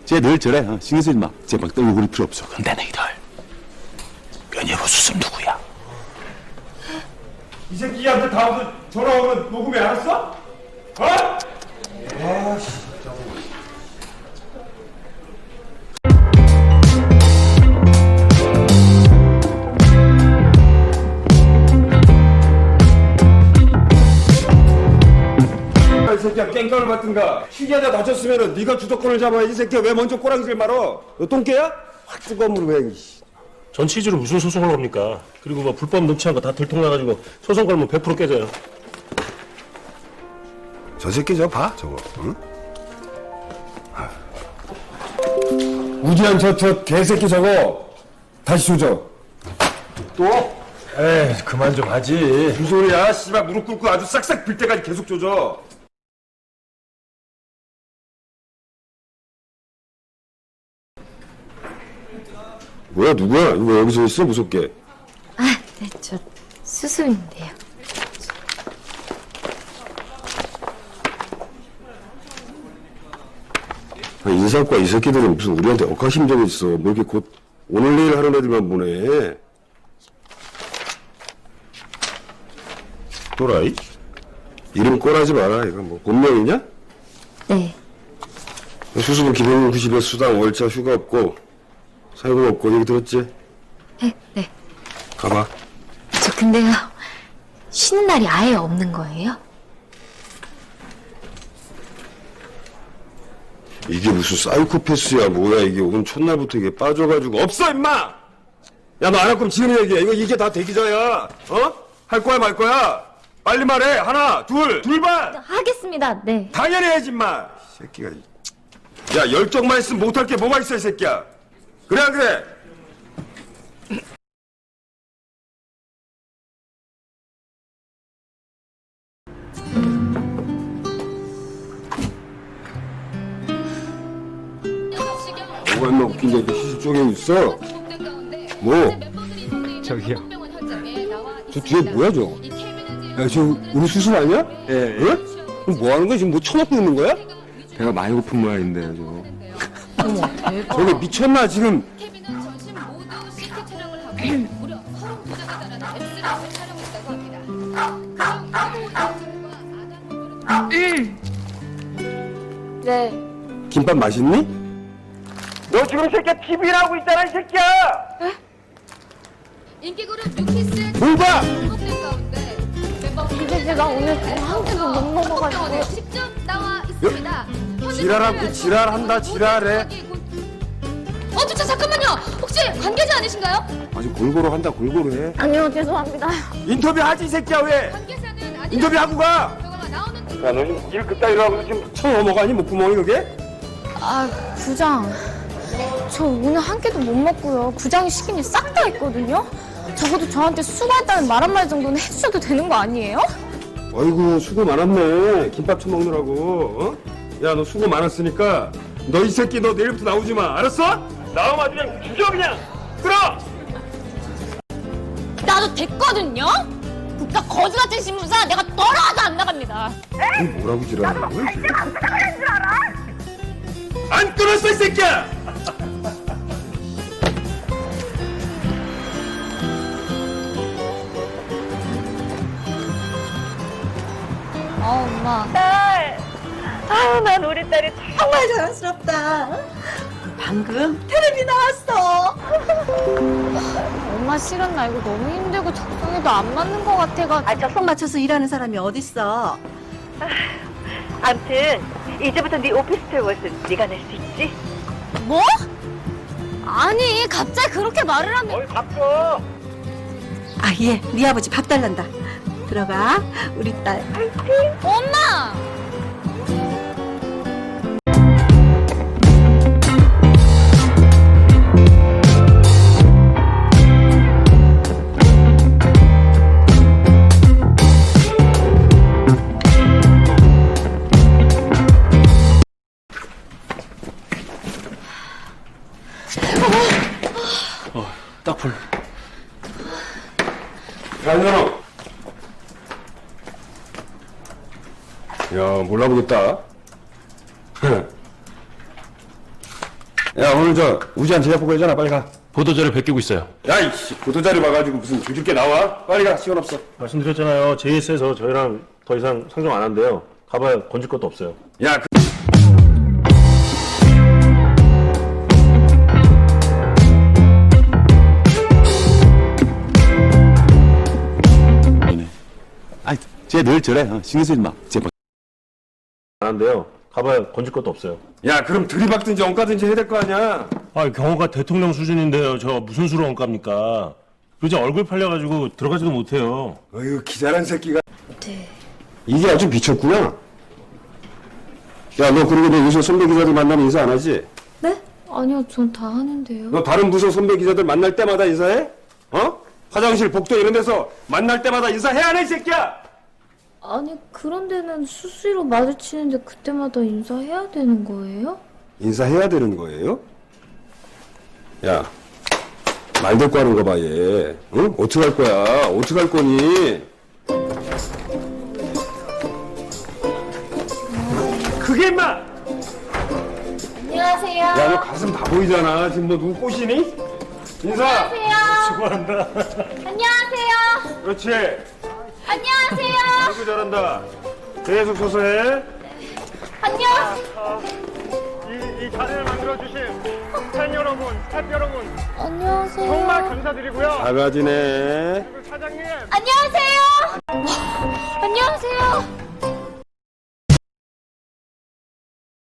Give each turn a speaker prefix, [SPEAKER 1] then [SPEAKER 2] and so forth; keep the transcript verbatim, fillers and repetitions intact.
[SPEAKER 1] 쟤 늘 저래. 어, 신경 쓰지 마. 쟤 막 떨고 그럴 필요 없어. 근데 너희들 면예부 수습 누구야?
[SPEAKER 2] 이 새끼한테 다음부터 전화 오면 녹음해, 알았어? 어? 아씨. 이 새끼야 깽깡을 받든가 희귀하다 다쳤으면은 네가 주도권을 잡아야지. 이 새끼야 왜 먼저 꼬랑지를 말어? 너 똥개야? 확 뜨거움으로 왜.
[SPEAKER 3] 전 취지로 무슨 소송을 합니까? 그리고 뭐 불법 넣지 않고 다 들통나가지고 소송 걸면 백 퍼센트 깨져요.
[SPEAKER 4] 저 새끼 저 봐 저거 응?
[SPEAKER 2] 우지한 저, 저 개새끼 저거 다시 조져. 또?
[SPEAKER 3] 에이 그만 좀 하지.
[SPEAKER 2] 무슨 소리야? 씨발 무릎 꿇고 아주 싹싹 빌 때까지 계속 조져.
[SPEAKER 4] 뭐야 누구야? 이거 왜 여기서 있어 무섭게?
[SPEAKER 5] 아, 네, 저 수수인데요.
[SPEAKER 4] 아, 인사과 이 새끼들은 무슨 우리한테 억하심정이 있어. 뭐 이렇게 곧 오늘 내일 하는 애들만 보내. 또라이? 이름 꼬라지 마라. 이거 뭐 본명이냐?
[SPEAKER 5] 네.
[SPEAKER 4] 수습은 기본 구십 회 수당 월차 휴가 없고 사유금 없고 얘기 들었지?
[SPEAKER 5] 네, 네.
[SPEAKER 4] 가봐.
[SPEAKER 5] 저 근데요, 쉬는 날이 아예 없는 거예요?
[SPEAKER 4] 이게 무슨 사이코패스야 뭐야 이게. 오늘 첫날부터 이게 빠져가지고 없어 임마!
[SPEAKER 2] 야 너 안 할 거면 지금 얘기해. 이거 이게 다 대기자야. 어? 할 거야 말 거야? 빨리 말해. 하나 둘 둘반.
[SPEAKER 5] 하겠습니다, 네.
[SPEAKER 2] 당연히 해야지 임마. 이 새끼가. 야 열정만 있으면 못할 게 뭐가 있어 이 새끼야. 그래 안 그래?
[SPEAKER 4] 뭐가 임마 웃긴 게 이렇게 시술 쪼개고 있어? 뭐?
[SPEAKER 6] 저기요.
[SPEAKER 4] 저 뒤에 뭐야 저? 야 저 우리 수술 아니야?
[SPEAKER 6] 예, 예.
[SPEAKER 4] 응? 그럼 뭐 하는 거야? 지금 뭐 쳐먹고 있는 거야?
[SPEAKER 6] 배가 많이 고픈 모양인데 저.
[SPEAKER 5] 어머, 대박.
[SPEAKER 4] 저게 미쳤나 지금?
[SPEAKER 7] 케빈은 전신 모두 씨티 촬영을 하고 무려 서른 부자가 달하는 엑스레이를 촬영했다고 합니다. 그중 아동
[SPEAKER 5] 네.
[SPEAKER 4] 김밥 맛있니?
[SPEAKER 2] 너 지금 이 새끼야 티비를 하고 있잖아 이 새끼야.
[SPEAKER 7] 인기 그룹 뉴키스의
[SPEAKER 2] 뭘 봐?
[SPEAKER 7] 등록된 가운데 멤버분들
[SPEAKER 5] 근데 제가 오늘 한 끼도 못 먹어가지고.
[SPEAKER 7] 병원에 직접 나와 있습니다.
[SPEAKER 2] 지랄하고 지랄한다 지랄해.
[SPEAKER 7] 어, 저 잠깐만요. 혹시 관계자 아니신가요?
[SPEAKER 4] 아주 골고루 한다 골고루 해.
[SPEAKER 5] 아니요, 죄송합니다.
[SPEAKER 2] 인터뷰 하지 이 새끼야 왜?
[SPEAKER 7] 관계자는 아니.
[SPEAKER 2] 인터뷰 하고 가.
[SPEAKER 7] 결과가 나오는
[SPEAKER 2] 야 너 지금 일 그따위로 하고 지금 쳐 넘어가니 목구멍이 그게?
[SPEAKER 8] 아, 부장. 저 오늘 한 끼도 못 먹고요. 부장이 시킨 일 싹 다 했거든요. 적어도 저한테 수고했다는 말 한마디 정도는 해주셔도 되는 거 아니에요?
[SPEAKER 4] 아이고 수고 많았네. 김밥 쳐먹느라고. 어?
[SPEAKER 2] 야 너 수고 많았으니까 너 이 새끼 너 내일부터 나오지 마. 알았어? 나오면 아주 그냥 죽여 그냥. 끌어.
[SPEAKER 8] 나도 됐거든요? 국가 거지 같은 신문사 내가 떨어져도 안 나갑니다.
[SPEAKER 4] 이 뭐라고 지랄하는 거야 이게?
[SPEAKER 2] 안 끊었어 이 새끼야.
[SPEAKER 8] 아, 엄마.
[SPEAKER 9] 딸! 아유, 난 우리 딸이 정말 자랑스럽다. 방금 텔레비 나왔어.
[SPEAKER 8] 엄마 실은 나 이거 너무 힘들고 적성에도 안 맞는 것 같아가지고.
[SPEAKER 9] 아, 적성 맞춰서 일하는 사람이 어딨어. 암튼 이제부터 네 오피스텔 월세는 네가 낼 수 있지?
[SPEAKER 8] 뭐? 아니, 갑자기 그렇게 말을 하면.
[SPEAKER 2] 어이 바꿔.
[SPEAKER 9] 아, 예, 네 아버지 밥 달란다. 들어가, 우리 딸.
[SPEAKER 8] 엄마!
[SPEAKER 3] 어 딱풀.
[SPEAKER 4] 안현아. 야 몰라보겠다.
[SPEAKER 2] 야, 오늘 저 우지한 제작보고 했잖아. 빨리 가.
[SPEAKER 3] 보도자료 베끼고 있어요.
[SPEAKER 2] 야, 이씨, 보도자료 봐가지고 무슨 죽일 게 나와? 빨리 가. 시간 없어.
[SPEAKER 3] 말씀드렸잖아요. 제이에스에서 저희랑 더 이상 상종 안 한대요. 가봐야 건질 것도 없어요.
[SPEAKER 2] 야, 그...
[SPEAKER 1] 아이, 쟤 늘 저래. 어, 신경 쓰지 마. 제발.
[SPEAKER 3] 안 한대요. 가봐야 건질 것도 없어요.
[SPEAKER 2] 야, 그럼 들이박든지 엉까든지 해야 될 거 아니야?
[SPEAKER 3] 아, 경호가 대통령 수준인데요. 저 무슨 수로 원갑니까? 그저 얼굴 팔려가지고 들어가지도 못해요.
[SPEAKER 2] 어휴, 기자란 새끼가.
[SPEAKER 8] 네.
[SPEAKER 2] 이게 아주 미쳤구나. 야, 너 그리고 너 요새 선배 기자들 만나면 인사 안 하지?
[SPEAKER 8] 네? 아니요, 전 다 하는데요.
[SPEAKER 2] 너 다른 부서 선배 기자들 만날 때마다 인사해? 어? 화장실, 복도 이런 데서 만날 때마다 인사해 안 해, 이 새끼야?
[SPEAKER 8] 아니, 그런 데는 수시로 마주치는데 그때마다 인사해야 되는 거예요?
[SPEAKER 2] 인사해야 되는 거예요? 야, 말 듣고 하는 거 봐, 얘. 응? 어떡할 거야? 어떡할 거니? 그게 임마!
[SPEAKER 8] 안녕하세요.
[SPEAKER 2] 야, 너 가슴 다 보이잖아. 지금 뭐 누구 꼬시니? 인사!
[SPEAKER 3] 수고한다.
[SPEAKER 8] 안녕하세요.
[SPEAKER 2] 그렇지.
[SPEAKER 8] 안녕하세요.
[SPEAKER 2] 아이고, 잘한다. 계속 서서 해.
[SPEAKER 8] 안녕.
[SPEAKER 10] 이, 이 자리를 만들어주신 팬 여러분, 스태프 여러분
[SPEAKER 8] 안녕하세요.
[SPEAKER 10] 정말 감사드리고요.
[SPEAKER 2] 작아지네.
[SPEAKER 10] 그리고 사장님
[SPEAKER 8] 안녕하세요.